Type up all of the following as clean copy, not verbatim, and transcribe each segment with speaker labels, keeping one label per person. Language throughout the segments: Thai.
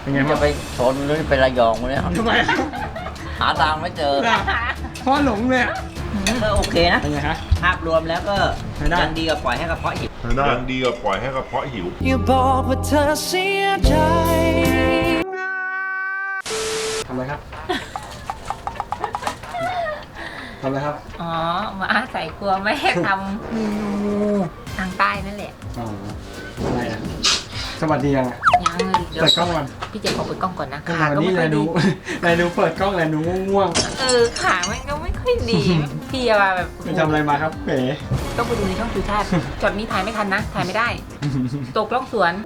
Speaker 1: เป็นไง
Speaker 2: จะไปชนหรือไประยองเนี่ย
Speaker 1: ทำไม
Speaker 2: หาทางไม่เจอ
Speaker 1: พ่อหลงเลย
Speaker 2: ก็โอเคนะ
Speaker 1: เป็นไงฮะ
Speaker 2: ภาพรวมแล้วก็
Speaker 1: ใช้ได้
Speaker 2: ยังดีกว่าปล่อยให้กระเพาะหิว
Speaker 3: ยังดีกว่าปล่อยให้กระเพาะหิว
Speaker 4: อย่าบอกว่าเธอเสียใจ
Speaker 1: ทำอะไรครับทำอะไรครับ
Speaker 5: อ๋อ มาอาศัยกลัวไม่ให้ทำเมนูทางใต้นั่นแหละ
Speaker 1: อ๋ออะไรอ่ะสวัสดียังอ่ะ
Speaker 5: ยังเลยเดี๋ยว
Speaker 1: เปิดกล้องก่อน
Speaker 5: พี่เจขอเปิดกล้องก่อนนะ
Speaker 1: ก็
Speaker 5: ขา
Speaker 1: วัน
Speaker 5: ก็
Speaker 1: นี้
Speaker 5: ไม่ค่อย
Speaker 1: นายดู
Speaker 5: ดี
Speaker 1: นายดูเปิดกล้องนายดูง่วง
Speaker 5: ขามันก็ไม่ค่อยดี พี่ว่าแบบ
Speaker 1: ๆไปทำอะไรมาครับเป๋
Speaker 5: ต้องไปดูในช่องชูชาติช็อตนี้ถ่ายไม่ทันนะ ถ่ายไม่ได้ ตกล่องสวน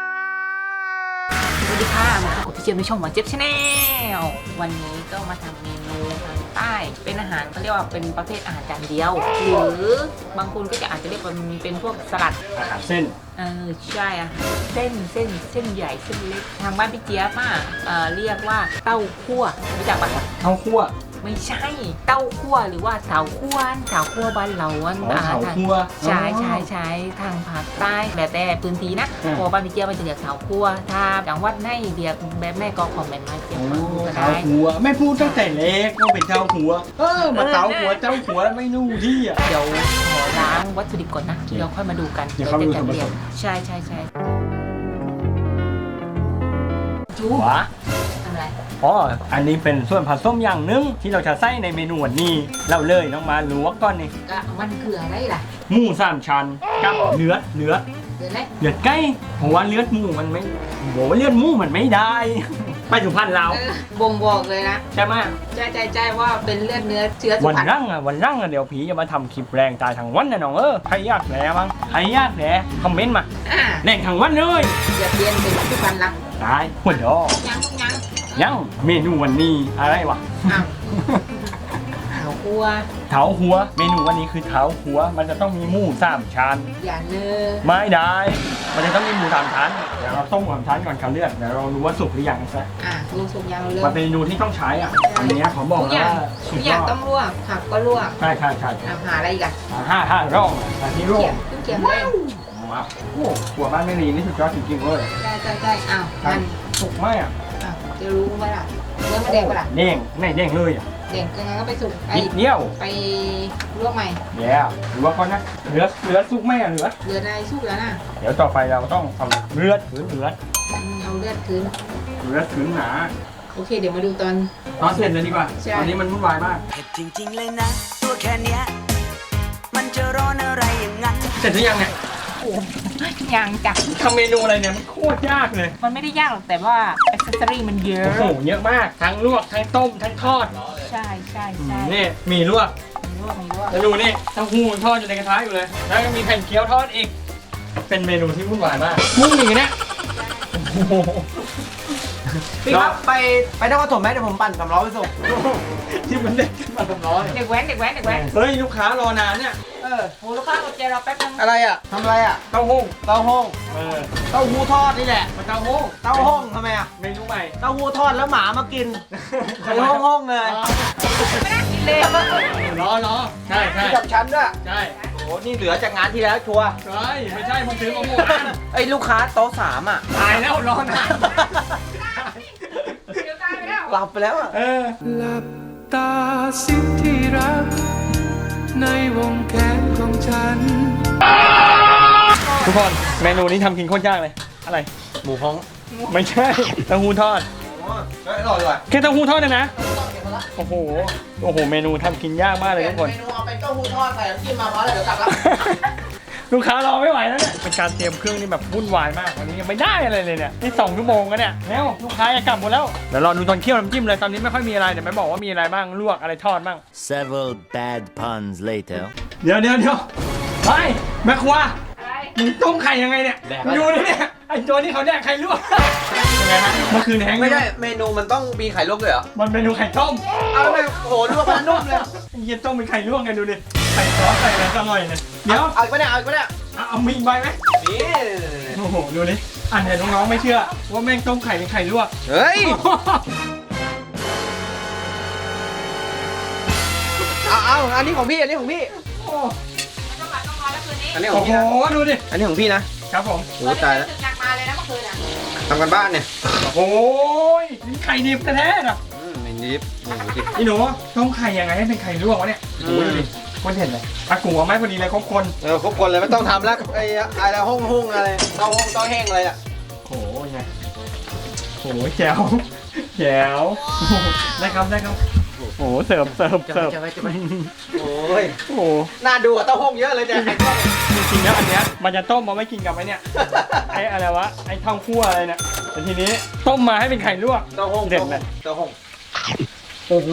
Speaker 5: สวัสดีค่ะมาพบกับพี่เจี๊ยบในช่องหวานเจี๊ยบชาแนลวันนี้ก็มาทำเมนูทางใต้ เป็นอาหารเขาเรียกว่าเป็นประเภทอาหารจานเดียว หรือบางคนก็จะอาจจะเรียกว่ามันเป็นพวกสลัด
Speaker 1: อาหารเส้น
Speaker 5: ใช่อะเส้นใหญ่เส้นเล็กทางบ้านพี่เจี๊ยบเรียกว่าเต้าคั่วรู้จักปะ
Speaker 1: เต้าคั่ว
Speaker 5: ไม่ใช่เต้าคั่วหรือว่าเสาคั่วบ้านเราอัน
Speaker 1: อ๋อเสาคั่ว
Speaker 5: ใช่ทางภาคใต้แล้วแต่พื้นที่นะ
Speaker 1: อืม
Speaker 5: พอบ้านพี่เจี๊ยบมันจะเรียกเสาคั่วถ้าจังหวัดไหนเรียกแบบแม่ก็คอมเมนต์มาเจี๊ยบ
Speaker 1: โอ้
Speaker 5: ฟังดูก็
Speaker 1: เต้า
Speaker 5: ได้
Speaker 1: หัวไม่พูดตั้งแต่เล็กว่าเป็นเต้าหัวมาเต้าหัวเจ้าหัวไม่นู่ที่อ่ะ
Speaker 5: เดี๋ยวขอล้างวัตถุดิบก่อนนะเดี๋ยวค่อยมาดูกัน
Speaker 1: เดี๋ยวเข้าไปดู
Speaker 5: จะ
Speaker 1: ส่วนผสม
Speaker 5: เรียกใช่จู
Speaker 1: หัว
Speaker 5: ทำอะไร
Speaker 1: อ๋ออันนี้เป็นส่วนผสมอย่างหนึงที่เราจะใส่ในเมนูวันนี้เราเลยน้องมาลวกก่อนนี่
Speaker 5: ก็มันคืออะไรล่ะ
Speaker 1: หมูสามชั้นกับเลือด
Speaker 5: เดี๋ยวนะ
Speaker 1: ไก่เพราะว่าเลือดหมูมันไม่โหเลือดหมูมันไม่ได้ ไปสุพรรณเรา
Speaker 5: บ่งบอกเลยนะ
Speaker 1: ใช่ไหม
Speaker 5: ใจว่าเป็นเลือดเนื้อเชื้อสุ
Speaker 1: วัน
Speaker 5: พรรณ
Speaker 1: รั่งเดี๋ยวผีจะมาทำคลิปแรงตายทั้งวันนะน้องใครอยากแหลบ้างใครอยากแหลคอมเมนต์มา
Speaker 5: อ่า
Speaker 1: แรงทั้งวันเลย
Speaker 5: อย่าเปลี่ยนเป็นสุพรรณละ
Speaker 1: ตายหัวดอ
Speaker 5: ยัง
Speaker 1: ยังเมนูวันนี้อะไรวะ
Speaker 5: อ้าวเขากลัว
Speaker 1: เท้าหัวเมนูวันนี้คือเท้าหัวมันจะต้องมีหมูสามชั้น
Speaker 5: อย่าเนื้อ
Speaker 1: ไม่ได้ มันจะต้องมีหมูสามชั้นเดี๋ยวเราต้มสามชั้นก่อนค่ะเลือดเดี๋ยวเรารู้ว่าสุกหรือยังซะ
Speaker 5: ลูกสุกยางเริ่
Speaker 1: มันเป็นเมนูที่ต้องใช้อ่ะอันนี้ขอบอก
Speaker 5: ทุกอ
Speaker 1: นะ
Speaker 5: ย่าง
Speaker 1: ว่าสุ
Speaker 5: ทุ
Speaker 1: ด
Speaker 5: กอย่าย ง
Speaker 1: อด
Speaker 5: ต้องลวกผักก็ลวก
Speaker 1: ใช่
Speaker 5: หาอะไรอีกอะ
Speaker 1: ห้าร่องอันนี้ร่อ
Speaker 5: เขีย
Speaker 1: ง
Speaker 5: มขึ้นเขียมเลย
Speaker 1: มาโอ้หัวบ้านไม่รีนี่สุดยอดจริงๆเลย
Speaker 5: ใช่อ้าวมัน
Speaker 1: สุกไหมอ่ะ
Speaker 5: จะรู้ไหมล่ะเนื้อมันแดงปะล่ะ
Speaker 1: เด้งไม่เด้งเลยอ่ะ
Speaker 5: แดงก็งั้นก็ไปสุกไป
Speaker 1: นิดเดียว
Speaker 5: ไปลวกใหม่
Speaker 1: เดี๋ยวหรือว่าก่อนนะเหลือสุกไหมอ่ะเหลือ
Speaker 5: เดือดอะไรสุกแล้วนะ
Speaker 1: เดี๋ยวต่อไปเราต้องเอาเลือดหรือเลือด
Speaker 5: เอาเลือดคืน
Speaker 1: หนา
Speaker 5: โอเคเดี๋ยวมาดูตอน
Speaker 1: ตอนเสร็จเลยดีกว่า
Speaker 5: ใช่
Speaker 1: ตอนนี้มันวุ่นวายมาก
Speaker 4: เผ็ดจริงๆเลยนะ ตัวแค่เนี้ย มันจะร้อนอะไรอย่างนั้น
Speaker 1: เสร็จหรือยังเนี่ย
Speaker 5: โอ้ยังจ้ะ
Speaker 1: ทำเมนูอะไรเนี่ยมันโคตรยากเลย
Speaker 5: มันไม่ได้ยากหรอกแต่ว่าอ็อกเซสซอรี่มันเยอะ
Speaker 1: โอ้โหเยอะมากทั้งลวกทั้งต้มทั้งทอด
Speaker 5: ใช่
Speaker 1: นี่มีลวก
Speaker 5: มีลวก
Speaker 1: แล้วดูนี่เต้าหู้ทอดอยู่ในกระทะอยู่เลยแล้วก็มีแผ่นเกี๊ยวทอดอีกเป็นเมนูที่วุ่นวายมากมุ่งอย่างเงี้ยโอ้โห
Speaker 6: พี่ครับไปนครปฐมไหมเดี๋ยวผมปั่นสำล้อไปส่ง
Speaker 1: ที่มันเด็กขึ้นมาทำร้อย
Speaker 5: เด็กแว้น
Speaker 1: เฮ้ยลูกค้ารอนานเนี่ย
Speaker 5: โหลูกค้ากดใจเราแป๊บนึง
Speaker 6: อะไรอ่ะทำอะไรอ่ะ
Speaker 1: เต้าหู้
Speaker 6: เต้าห้อง
Speaker 1: เออ
Speaker 6: เต้าหู้ทอดนี่แหละ
Speaker 1: มาเต้าหู้
Speaker 6: เต้าห้องทำไมอ่ะ
Speaker 1: เมนูใหม่
Speaker 6: เต้าหู้ทอดแล้วหมามากินในห้องเลย
Speaker 5: ไม่น่ากินเลย
Speaker 1: รอใช่
Speaker 6: กับฉันด้วย
Speaker 1: ใช่
Speaker 6: โอ้นี่เหลือจากงานที่แล้วชัวร์
Speaker 1: ใช่ไม่ใช่มึงซื้อมาหมด
Speaker 6: ไอ้ลูกค้าโต๊ะ3อ่ะ
Speaker 1: ตายแล้วรอนาน
Speaker 5: เดี๋ยวตายไปแล้ว
Speaker 6: หลับไปแล้วอ่ะ
Speaker 4: หลับตาสิที่รัก ในวงแขนของฉัน
Speaker 1: ทุกคนเมนูนี้ทำกินโคตรยากเลยอะไร
Speaker 6: หมูฮ้อง
Speaker 1: ไม่ใช่เต้าหู้ทอด
Speaker 6: เฮ้ยอร่อยว่ะ
Speaker 1: แค่เต้าหู้ทอดเนี่ยนะโอ้โหเมนูทำกินยากมากเลยทุกคน
Speaker 6: เมนูเอาเป็นเต้าหู้ทอดใส่น้ำจิ้มมาเพราะอะไรเดี๋ยวกลับแล้ว
Speaker 1: ลูกค้ารอไม่ไหวแล้วเนี่ยเป็นการเตรียมเครื่องนี่แบบวุ่นวายมากวันนี้ยังไม่ได้อะไรเลยเนี่ยนี่2 ชั่วโมงแล้วเนี่ยแล้วลูกค้าจะกลับหมดแล้วเดี๋ยวรอดูตอนเคี่ยวน้ำจิ้มเลยตอนนี้ไม่ค่อยมีอะไรเดี๋ยวไม่บอกว่ามีอะไรบ้างลวกอะไรทอดบ้าง
Speaker 2: Several bad puns later
Speaker 1: เดี๋ยวไปแม่ครัว
Speaker 5: อะไร
Speaker 1: มึงต้มไข่ยังไงเนี่ยดูดิเนี่ยไอ้ตัวนี้เขาแดกไข่ลวกยังไงฮะเมื่อคืนแห้ง
Speaker 6: ไม่ได้เมนูมันต้องมีไข่ลวกด้วยเหรอ
Speaker 1: มันเมนูไข่ต้ม
Speaker 6: เอาแล้วไม่โอ้โหลวกมันนุ่มเลย
Speaker 1: ไอ้เหี้ยต้มเป็นไข่ลวกไงดูดิไข่ซอสใส่อะไรอร่อยเนี่ยเดี๋ยว
Speaker 6: เอาอีกปะเนี่ยเอาอีกปะเนี่ย
Speaker 1: เอามีใบไหม
Speaker 6: นี่
Speaker 1: โอ้โหดูดิอันเนี่ยน้องๆไม่เชื่อว่าแม่งต้มไข่เป็นไข่ลวก
Speaker 6: เฮ้ยเอาอันนี้ของพี่อันนี้ของพี่
Speaker 5: ต้องมาแล้วคืนนี้
Speaker 6: อันนี้ข
Speaker 1: โอ้
Speaker 6: อง
Speaker 1: โห
Speaker 6: พี่นะ
Speaker 1: ดูดิ
Speaker 6: อันนี้ของพี่นะครับ
Speaker 1: ผม
Speaker 6: โอ้ตายแล้ว
Speaker 5: ถึงหนักมาเลยนะเมื่อคืนอ่ะ
Speaker 6: ทำกันบ้านเนี่ย
Speaker 1: โอ้ยนี่ไข่ดิบแท้ๆนะ
Speaker 6: ไม่นิบโอ้โหดิ
Speaker 1: นี่หนูต้มไข่ยังไงให้เป็นไข่ลวกวะเนี่ยโอ้ยดูดิคนเห็นเลยอากูเอาไม้พอดีเลยครบคน
Speaker 6: ครบคนเลยไม่ต้องทำแล้วไอ้อะไรห้องอะไรเต้าห้องเต้าแห้งอะไรอ่ะ
Speaker 1: โอ้ยไงโอ้ยแจ๋วแจ๋วได้ครับได้ครับโอ้เสิร์ฟ
Speaker 6: จะไปโอ้ย
Speaker 1: โอ้
Speaker 6: น่าดูกว่าเต้าห้องเยอะเลยเนี่ยไข่ต้ม
Speaker 1: จริงๆแล้วอันเนี้ยมันจะต้มมาไม่กินกับไอ้เนี่ยไอ้อะไรวะไอ้เท่าคั่วอะไรเนี่ยแต่ทีนี้ต้มมาให้เป็นไข่ลวก
Speaker 6: เต้าห้อง
Speaker 1: เด็ดเลย
Speaker 6: เต้าห้อง
Speaker 1: โอ้โห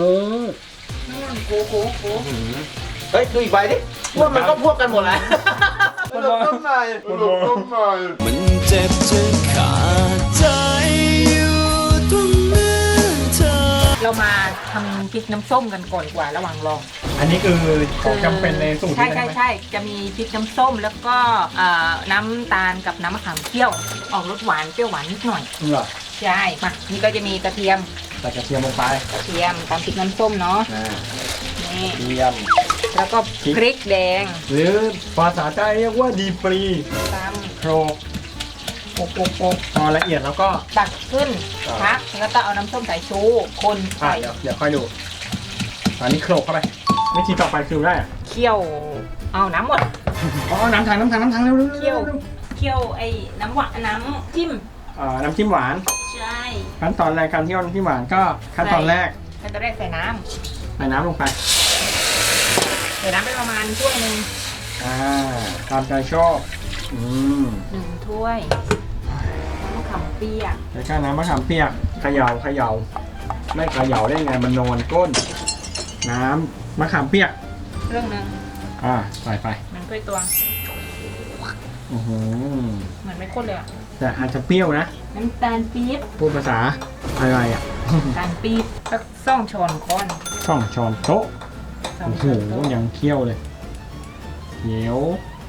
Speaker 6: เฮ้ยดูอีกใบดิว่ามันก็พวกกันหมดแล้วมันลงต้มหน่อย
Speaker 4: มันเจ็บจนขาดใจอยู่ตรงนั้นเธอ
Speaker 5: เรามาทำพริกน้ำส้มกันก่อนดีกว่าระหว่างรอ
Speaker 1: อันนี้คือของจำเป็นในสูตร
Speaker 5: ใช่
Speaker 1: นี้
Speaker 5: ใช่
Speaker 1: ไหม
Speaker 5: ใช่จะมีพริกน้ำส้มแล้วก็น้ำตาลกับน้ำมะขามเคี่ยว ออกรสหวานเปรี้ยวหวานนิดหน่อย
Speaker 1: เหรอ
Speaker 5: ใช่มานี่ก็จะมีกระเทียม
Speaker 1: ใส่กระเทียมลงไป
Speaker 5: กระเทียมตามพริกน้ำส้มเนาะนี่
Speaker 1: เทียม
Speaker 5: แล้วก็พริกแดง
Speaker 1: หรือภาษาใต้เรียกว่าดีปรี
Speaker 5: ตาม
Speaker 1: โครกโปกพอละเอียดแล้วก็
Speaker 5: ตักขึ้นพักแล้วก็เอาน้ำส้มสายชูคน
Speaker 1: อ่ะ
Speaker 5: ใส่
Speaker 1: เดี๋ยวค่อยดูอันนี้โครกเข้าไปวิธีต่อไปคือได้อะ
Speaker 5: เคี่ยวเอาน้ำหมด
Speaker 1: อ๋อน้ำถังเร็วๆ
Speaker 5: เคี่ยวเคี่ยวไอ้น้ำหวานน้ำจิ้ม
Speaker 1: น้ำจิ้มหวาน
Speaker 5: ใช่
Speaker 1: ขั้นตอนแรกการเที่ยวน้ำจิ้มหวานก็ขั้นตอนแรก
Speaker 5: ขั้นตอนแรกใส่น้
Speaker 1: ใส่น้ำลงไป
Speaker 5: ำใส่น้ำไปประมาณถ้วยหนึ่ง
Speaker 1: ตามใจชอบ
Speaker 5: 1 ถ้วยน้ำมะขามเปียก
Speaker 1: แล้วก็น้ำมะขามเปียกเขย่าไม่เขย่าได้ไงมันนอนก้น น้ำมะขามเปียก
Speaker 5: เรื่องหนึ่ง
Speaker 1: ใส่ไป
Speaker 5: มันถ้วยตวง
Speaker 1: อื้อหือ
Speaker 5: เหมือนไม่ข้นเลยอ่ะ
Speaker 1: แต่อาจจะเปรี้ยวนะ
Speaker 5: น้ำตาลปี๊บ
Speaker 1: พูดภาษาอะไรอ่ะ
Speaker 5: น้ำตาลปี๊บสัก2 ช้อนก้อน
Speaker 1: ช่องช้อนโต๊ะ
Speaker 5: 2
Speaker 1: โอ้โห
Speaker 5: ช้อนโต๊ะ
Speaker 1: ยังเคี่ยวเลยเขียว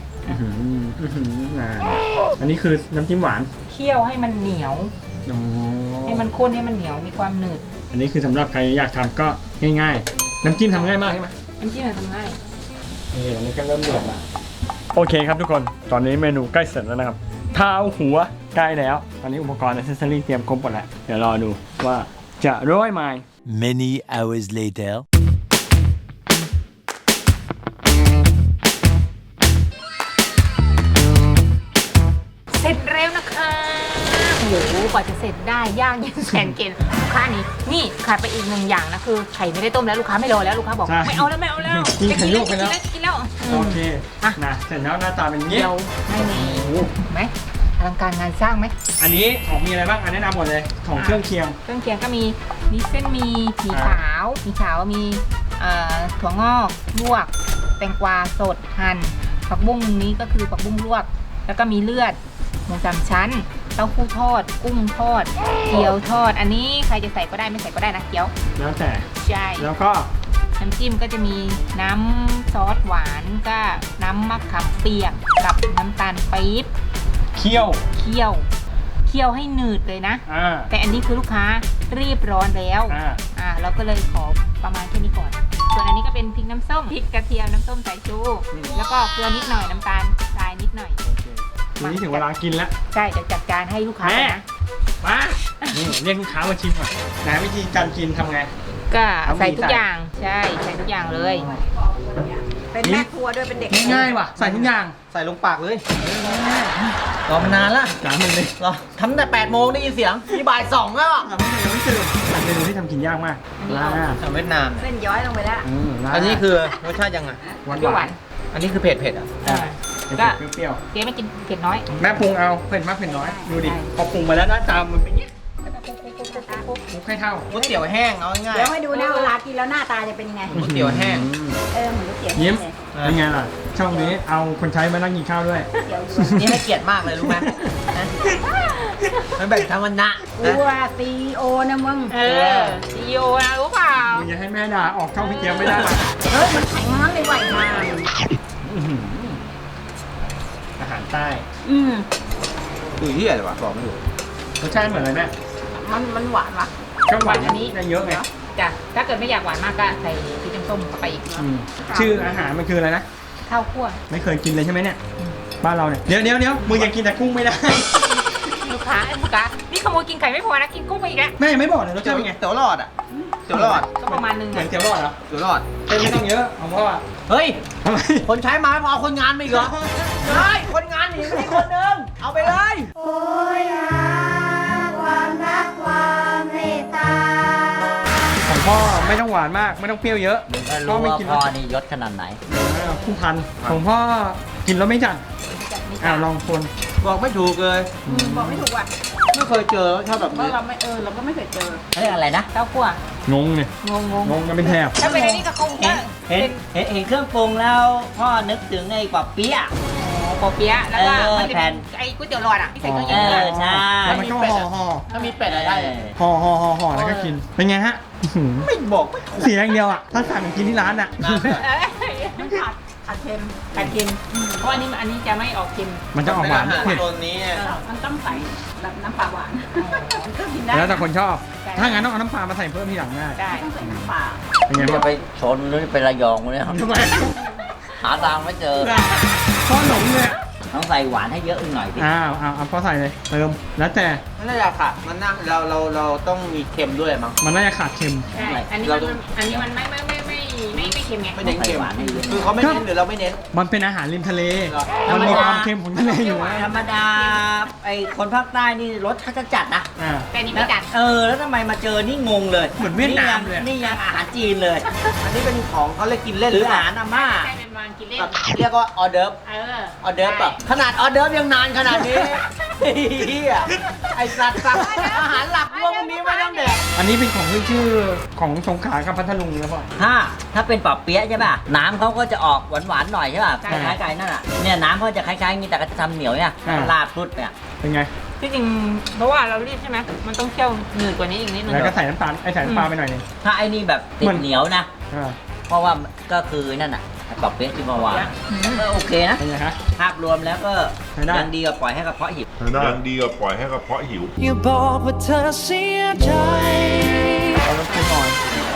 Speaker 1: อันนี้คือน้ำจิ้มหวาน
Speaker 5: เคี่ยวให้มันเหนียว
Speaker 1: อ๋อ
Speaker 5: ให้มันข้นให้มันเหนียวมีความหนืด
Speaker 1: อันนี้คือสำหรับใครอยากทำก็ง่ายๆ น้ำจิ้มทำง่ายมากใช่ไหม
Speaker 5: น้ำจิ้มมันทำง่าย
Speaker 1: อันนี้ก็เริ่มเดือดละโอเคครับทุกคน ตอนนี้เมนูใกล้เสร็จแล้วนะครับเท้าหัวใกล้แล้ว ตอนนี้อุปกรณ์ accessory เตรียมครบหมดแล้ว เดี๋ยวรอดูว่าจะร้อยไหม
Speaker 2: Many hours later.
Speaker 5: เสร็จเร็วนะคะโอ้โหกว่าจะเสร็จได้ย่างยังแสนเกณฑ์ลูกค้านี่ขาดไปอีก1 อย่างนะคือไข่ไม่ได้ต้มแล้วลูกค้าไม่รอแล้วลูกค้าบอก
Speaker 1: ใช่
Speaker 5: ไม่เอาแล้ว
Speaker 1: กินไข่ลวกไปแล้ว
Speaker 5: จะกินแล้ว
Speaker 1: โอเค
Speaker 5: อ่ะ
Speaker 1: นะเสร็จแล้วหน้าตาเป็นอย่างนี้
Speaker 5: เดียวไม่มีไหมอลังการงานสร้างไหม
Speaker 1: อันนี้ของมีอะไรบ้างอันแนะนำหมดเลยของเครื่องเคียง
Speaker 5: เครื่องเคียงก็มีเส้นมีขาวมีถั่วงอกลวก แตงกวาสดหั่นผักบุ้งนี้ก็คือผักบุ้งลวก แล้วก็มีเลือดหมู3 ชั้นเต้าหู้ทอด กุ้งทอดเกี๊ยวทอด อันนี้ใครจะใส่ก็ได้ไม่ใส่ก็ได้นะเกี๊ยว
Speaker 1: แล้วแต่
Speaker 5: ใช่
Speaker 1: แล้วก็
Speaker 5: น้ำจิ้มก็จะมีน้ำซอสหวานก็น้ำมะขามเปียกกับน้ำตาลปี๊บ
Speaker 1: เคี่ยว
Speaker 5: เคี่ยวให้หนืดเลยนะ
Speaker 1: อ่า
Speaker 5: แต่อันนี้คือลูกค้ารีบร้อนแล้ว เราก็เลยขอประมาณแค่นี้ก่อน ส่วนอันนี้ก็เป็นพริกน้ำส้มพริกกระเทียมน้ำส้มสายชู แล้วก็เกลือนิดหน่อยน้ำตาลทรายนิดหน่อย
Speaker 1: โอเคทีนี้ถึงเวลากินแล้ว
Speaker 5: ใช่เดี๋ยวจัดการให้ลูกค้า
Speaker 1: แม่
Speaker 5: เลยนะ
Speaker 1: มานี่เรียกลูกค้ามาชิมก่อนไหนวิธีการกินทำไง
Speaker 5: ก็ใส่ทุกอย่างใช่ใส่ทุกอย่างเลย
Speaker 7: เป็นแม่ครัวด้วยเป็นเด็ก
Speaker 1: ง่ายๆว่ะใส่ทุกอย่าง
Speaker 6: ใส่ลงปากเลยรอมานานละ
Speaker 1: จานมันเลย
Speaker 6: รอทำแต่8 โมงได้ยินเสียงนี่บ่าย 2แล้วอะ
Speaker 1: ยังไม่ตื่นเป็นเมนูที่ทำกินยากมากลาบ
Speaker 6: ทำเวียดนาม
Speaker 7: เส้นย้อยลงไปแล้ว
Speaker 1: ลาบ
Speaker 6: อันนี้คือรสชาติยังไง
Speaker 1: หวาน
Speaker 5: เปรี้ยวหวาน
Speaker 6: อันนี้คือเผ็ดอ่ะ
Speaker 5: ก็
Speaker 1: เปรี้ยว
Speaker 5: เจ๊ไม่กินเผ็ดน้อย
Speaker 1: ๆแม่ปรุงเอาเผ็ดมากเผ็ดน้อยดูดิพอปรุงมาแล้วหน้าตามันเป็นอย่างนี้คลุกให้เท่า
Speaker 6: ก๋วยเตี๋ยวแห้งเอาง่าย
Speaker 7: เดี๋ยวให้ดูนะเวลากินแล้วหน้าตาจะเป็นยังไง
Speaker 6: ก๋วยเตี๋ยวแห้ง
Speaker 7: เหมือนก๋วยเตี๋ยว
Speaker 1: ยิ้ม
Speaker 7: เลย
Speaker 1: เป็นไงล่ะช่องนี้เอาคนใช้มานั่งกินข้าวด้วย
Speaker 7: เดี๋ยว
Speaker 6: นี่ให้เกียรติมากเลยรู้ไหมนะมันแบ่งทั้งวันนะ
Speaker 7: กูว่าซีโอนะมึง
Speaker 5: ซีโอนะรู้เปล่า
Speaker 1: มึงอย่าให้แม่ด่าออกช่องพี่เจี๊ยบไม่ได้ล่ะ
Speaker 7: เฮ้ย มันแข็งมั้งเลยไหวมา
Speaker 1: อาหารใต้
Speaker 6: ดูที่อะไรวะบอกไม่ถูก
Speaker 1: รสชาติเหมือนอะไรแม่
Speaker 7: มันหวานวะ
Speaker 1: ก็หวานอันนี้ได้เยอะไง
Speaker 5: จ้ะถ้าเกิดไม่อยากหวานมากก็ใส่พริกน้ำส้มเข้าไปอีก
Speaker 1: ชื่ออาหารมันคืออะไรนะ
Speaker 5: ข้าวคั่ว
Speaker 1: ไม่เคยกินเลยใช่ไหมเนี่ยบ้านเราเนี่ยเดี๋ยวมึงยังกินแต่กุ้งไม่ได้
Speaker 5: ลูกค้านี่นี่ขโมยกินไข่ไม่พอนะกินกุ้งไปอีกแล้ว
Speaker 1: แม่ยังไม่บอกเลยรสชาติเป็นไง
Speaker 6: เตี๋ยวหลอดอ่ะเตี๋ยวหลอด
Speaker 5: ก็ประมาณนึง
Speaker 1: เหมือ
Speaker 5: อะ
Speaker 1: นเตี๋ยวรอดเหรอ
Speaker 6: เตี๋ยวหลอด
Speaker 1: ไม่ต้องเยอะของพ่ออะ
Speaker 6: เฮ้ย
Speaker 1: ทำไม
Speaker 6: คนใช้มาไม่พอเอาคนงานมาอีกเหรอใช่คนงานหนีไปที่คนหนึงเอาไปเลย
Speaker 1: ของพ่อไม่ต้องหวานมากไม่ต้องเปรี้ยวเยอะ
Speaker 8: ก็
Speaker 1: พ่อ
Speaker 8: รู้
Speaker 1: ไม่
Speaker 8: ว่า
Speaker 1: กิน
Speaker 8: พ่อ
Speaker 1: รส
Speaker 8: นี่ยศขนาดไหน
Speaker 1: ผู้พันของพ่อกินแล้วไม่จัดลองคน
Speaker 6: บอกไม่ถูกเลย
Speaker 7: บอกไม่ถูกว่ะ
Speaker 6: ไม่เคยเจอชอบแบบ
Speaker 7: เพราะ
Speaker 6: นี้
Speaker 7: เราก็ไม่เคยเจอ
Speaker 8: เฮ้ยอะไรนะ
Speaker 5: เต้าคั่ว
Speaker 1: งงเนี่ย
Speaker 5: งง
Speaker 1: กันเป็นแถบ
Speaker 5: ถ้าเป็นอันนี้ก็คงจะ
Speaker 8: เห็น
Speaker 5: เป็น
Speaker 8: เห็นเครื่องปรุงแล้ว พ่อนึกถึงไอ้ปอบเปี๊ยะ
Speaker 5: ปอเปี๊ยะแล้วก็
Speaker 8: เออ
Speaker 5: มันจะ
Speaker 8: แผ่
Speaker 5: เป็น นไอ้ก๋วยเตี๋ยวหลอดอ่ะที่ใส่เครื่อง
Speaker 8: เอ
Speaker 5: เย็น
Speaker 8: อใช่
Speaker 1: แล้วมันก็ห่อ
Speaker 6: ถ้ามีเป็ดอะไรได้เลย
Speaker 1: ห่อแล้วก็กินเป็นไงฮะอื้อหือ
Speaker 6: ไม่บอกไม่ถูก
Speaker 1: เสียอย่างเดียวอ่ะถ้าสั่งกินที่ร้านอ่ะ
Speaker 7: ขาดเค็ม
Speaker 5: กัดเค็มเพราะอันนี้จะไม่ออกเค็ม
Speaker 1: มันจะออกหวานเผ็ด
Speaker 6: ตัวนี้
Speaker 7: มันต้องใส่แบบน้ำปลาหวานมันก็กินได้
Speaker 1: แล้วแต่คนชอบ ถ้างั้นต้องเอาน้ำปลามาใส่เพิ่มทีหลังได้
Speaker 5: ได้
Speaker 7: ต้องใส่น้ำปลา
Speaker 1: เป็นไง
Speaker 8: จะ
Speaker 1: พ่อ
Speaker 8: ไปชนหรือไประยองเลยครับ
Speaker 1: ทำไม
Speaker 8: หาทางไม่เจอ
Speaker 1: พ่อหลงเลยอะ
Speaker 8: ต้องใส่หวานให้เยอะอีกหน่อยพี่
Speaker 1: เอาพ่อใส่เลยเติมแล้วแต่
Speaker 6: มันน่าจะค่ะมันน่าเราต้องมีเค็มด้วยมั้ง
Speaker 1: มันน่าจะขาดเค็ม
Speaker 5: ใช่อันนี้มันไม่เค็มไง
Speaker 6: ไม่เน้นเค็ม
Speaker 8: ใส่หวานให้เยอะ
Speaker 6: คือเขาไม่เน้นหรือเราไม่เน้น
Speaker 1: มันเป็นอาหารริมทะเล
Speaker 6: เหรอ
Speaker 1: มันมีความเค็มของทะเลอยู่นะ
Speaker 8: ธรรมดาไอ้คนภาคใต้นี่รสเขาจะจัดนะ
Speaker 5: แต่อันนี้ไม่จัด
Speaker 8: แล้วทำไมมาเจอนี่งงเลย
Speaker 1: เหมือนเวียดนามเลย
Speaker 8: นี่ยังอาหารจีนเลย
Speaker 6: อันนี้เป็นของเขาเลยกินเล่น
Speaker 8: หรือ
Speaker 6: เป
Speaker 8: อา
Speaker 6: ล่า
Speaker 8: หารอาม่า
Speaker 5: ใช่เป็นวางกินเล่น
Speaker 6: แบบเรียกว่าออเดิร์ฟ
Speaker 5: เออ
Speaker 6: ออเดิร์ฟแบบขนาดออเดิร์ฟยังนานขนาดนี้เฮียไอสัตว์สั่งอาหารหลักพวกนี้ไม่ต้องแดก
Speaker 1: อันนี้เป็นของขึ้นชื่อของสงขลากับพัทลุงนะพ่อ
Speaker 8: ถ้าเป็นปอบเปี๊ยะใช่ป่ะ น้ำเขาก็จะออกหวานๆหน่อยใช่ป่ะ
Speaker 1: ใช่
Speaker 8: คล้ายๆไก่นั่นอ่ะ เนี่ยน้ำเขาจะคล้ายๆอย่างนี้แต่ก็จะทำเหนียวเนี่ย
Speaker 1: อ่า
Speaker 8: ลาดพุดเนี่ย
Speaker 1: เป็นไง
Speaker 5: ที่จริงเพราะว่าเรารีบใช่ไหมมันต้องเคี่ยวหนืดกว่านี้อีกนิดนึง
Speaker 1: แล้วก็ใส่น้ำตาลใส่น้ำปลาไปหน่อยหนึง
Speaker 8: ถ้าไอ้นี่แบบติ
Speaker 1: เหมื
Speaker 8: ด
Speaker 1: อน
Speaker 8: เหนียวนะ
Speaker 1: อ่า
Speaker 8: เพราะว่าก็คือนั่นอ่ะปอบเปี๊ยะที่เมื่อวานก็โอเคนะ
Speaker 1: เป็นไงฮะ
Speaker 8: ภาพรวมแล้วก็
Speaker 1: ใช้ได้
Speaker 8: ยังดีกว่าปล่อยให้กระเพาะหิว
Speaker 3: ยังดีกว่าปล่อยให้กระเพาะหิว
Speaker 4: อย่าบอกว่าเธอเสียใจ
Speaker 1: เอารสไปหน่อย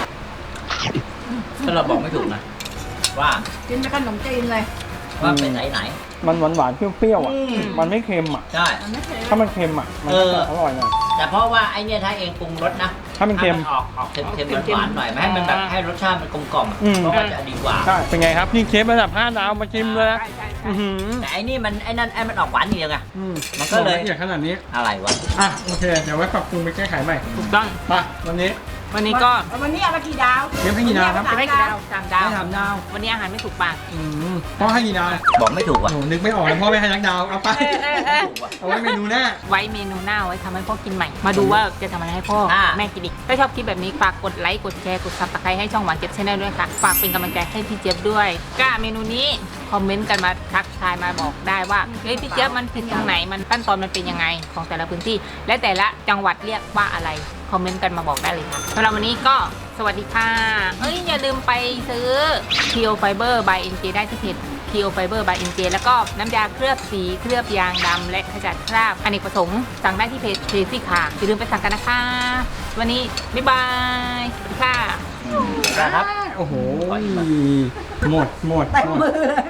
Speaker 8: ถ้าเราบอกไม่ถูกนะ ว่า
Speaker 7: กินเป็นขนมจีนเลย
Speaker 8: ว่าเป็นไหน
Speaker 1: มันหวานๆเปรี้ยวๆอ่ะ มันไม่เค็มอ่ะ
Speaker 8: ใช่
Speaker 7: มันไม่เค็ม
Speaker 1: ถ้ามันเค็มอ่ะ มันก็จะอร่อยหน่อย
Speaker 8: แต่เพราะว่าไอเนี่ยถ้าเองปรุงรสนะ
Speaker 1: ถ้ามันเค็ม
Speaker 8: ออกเค็มๆหวานๆหน่อยไม่ให้มันแบบให้รสชาติมันกลมกล่อม
Speaker 1: อืม
Speaker 8: เพราะว่าจะดีกว่า
Speaker 1: ใช่ เป็นไงครับ นี่เชฟระดับ5 ดาวมาชิมเลยนะ
Speaker 5: ใช่ใช่
Speaker 1: อื้อหือ
Speaker 8: แต่ไอ้นี่มันไอ้นั่นไอ้มันออกหวานนิดเดียวไง
Speaker 1: อืม
Speaker 8: มันก็เลย
Speaker 1: ละเอียดขนาดนี้
Speaker 8: อะไรวะ
Speaker 1: อ่ะ โอเค เดี๋ยวไว้ปรับปรุงไปแก้ไขใหม่
Speaker 5: ถูกต้อง
Speaker 1: ไปวันนี้
Speaker 5: วันนี้ก็
Speaker 7: วันนี้เอามากี่ดาว
Speaker 1: เชฟให้กี่ดาวครับ
Speaker 5: จะไม่กี่ดาวสามดาว
Speaker 1: ให้ถามดาว
Speaker 5: วันนี้อาหารไม่ถูกปาก
Speaker 1: พ่อให้กี่ดาว
Speaker 8: บอกไม่ถูก
Speaker 1: โอ้
Speaker 8: ว่ะ
Speaker 1: โหนึกไม่ออกเลยพ่อไม่ให้ยักดาว เอาไป เอาไว้เมนูหน้า
Speaker 5: ไว้เมนูหน้าไว้ทำให้พ่อกินใหม่ มาดูว่าจะทำอะไรให้พ่อแม่กินอีก ถ้าชอบคลิปแบบนี้ฝากกดไลค์ กดแชร์ กดซับสไครต์ให้ช่องหวานเจ็บชาแนลด้วยค่ะ ฝากเป็นกำลังใจให้พี่เจี๊ยบด้วยก็เมนูนี้คอมเมนต์กันมาทักทายมาบอกได้ว่า เฮ้ยพี่เจี๊ยบมันผิดตรงไหน มันขั้นตอนมันเป็นยังไงของแต่ละพื้นที่ และแต่ละจังหวัดเรียกว่าอะไร คอมเมนต์กันมาบอกได้เลยค่ะสำหรับวันนี้ก็สวัสดีค่ะเอ้ยอย่าลืมไปซื้อ Kio Fiber by NJ ได้ที่เพจ Kio Fiber by NJ แล้วก็น้ำยาเคลือบสีเคลือบยางดำและขจัดคราบอเนกประสงค์สั่งได้ที่เพจเ ซี่ค่ะอย่าลืมไปสั่งกันนะคะ วันนี้บ๊ายบายสวัสดีค่ะ
Speaker 8: ครับ
Speaker 1: โอ้โห หมด
Speaker 7: เต็มมือเลย